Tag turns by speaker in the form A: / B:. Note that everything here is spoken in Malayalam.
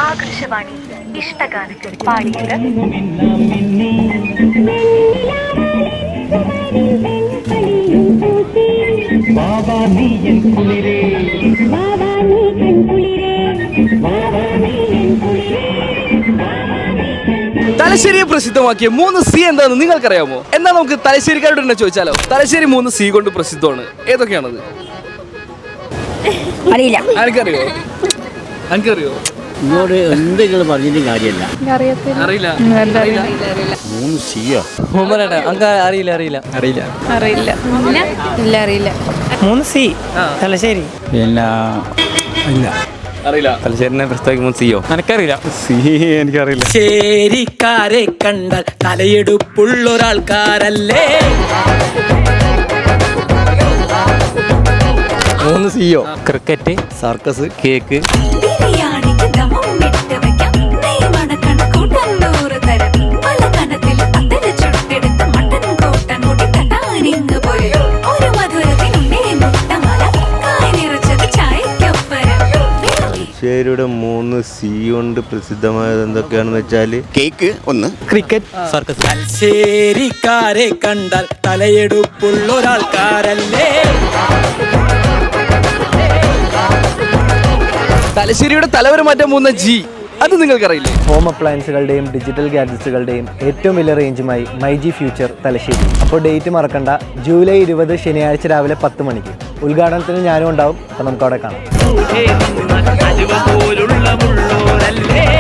A: ആകാശവാണി ഇഷ്ടഗാനങ്ങൾ പാടിയത്
B: തലശ്ശേരിയെ പ്രസിദ്ധമാക്കിയ 3C എന്താണെന്ന് നിങ്ങൾക്കറിയാമോ? എന്നാൽ നമുക്ക് തലശ്ശേരിക്കാരോട് തന്നെ ചോദിച്ചാലോ. തലശ്ശേരി 3C കൊണ്ട് പ്രസിദ്ധമാണ്. ഏതൊക്കെയാണത്?
C: അറിയില്ല.
B: എനിക്കറിയോ? എനിക്കറിയോ?
D: ഇങ്ങോട്ട് എന്തെങ്കിലും പറഞ്ഞിട്ട് കാര്യമല്ല.
B: അറിയില്ല.
C: അറിയില്ല.
E: 3C തലശ്ശേരി.
D: പിന്നെ
B: അറിയില്ല.
E: തലശ്ശേരിനെ പ്രസ്താവിക്കുമ്പോൾ സിയോ എനിക്കറിയില്ല. എനിക്കറിയില്ല.
F: ശേരിക്കാരെ കണ്ടാൽ തലയെടുപ്പുള്ളൊരാൾക്കാരല്ലേ?
E: 3CO cricket, circus, cake.
G: തലശ്ശേരിയുടെ 3C കൊണ്ട് പ്രസിദ്ധമായത് എന്തൊക്കെയാണെന്ന് വെച്ചാൽ
D: കേക്ക് ഒന്ന്,
E: ക്രിക്കറ്റ്, സർക്കസ്.
F: തലശ്ശേരിക്കാരെ കണ്ടാൽ തലയെടുപ്പുള്ളൊരാൾക്കാരല്ലേ?
B: തലശ്ശേരിയുടെ തലവര മാറ്റാൻ പോകുന്ന G, അത് നിങ്ങൾക്കറിയില്ലേ?
H: ഹോം അപ്ലയൻസുകളുടെയും ഡിജിറ്റൽ ഗാഡ്ജറ്റ്സുകളുടെയും ഏറ്റവും വലിയ റേഞ്ചുമായി മൈജി ഫ്യൂച്ചർ തലശ്ശേരി. അപ്പോൾ ഡേറ്റ് മറക്കണ്ട, ജൂലൈ 20 ശനിയാഴ്ച രാവിലെ 10 മണിക്ക്. ഉദ്ഘാടനത്തിന് ഞാനും ഉണ്ടാവും. അപ്പോൾ നമുക്ക് അവിടെ കാണാം.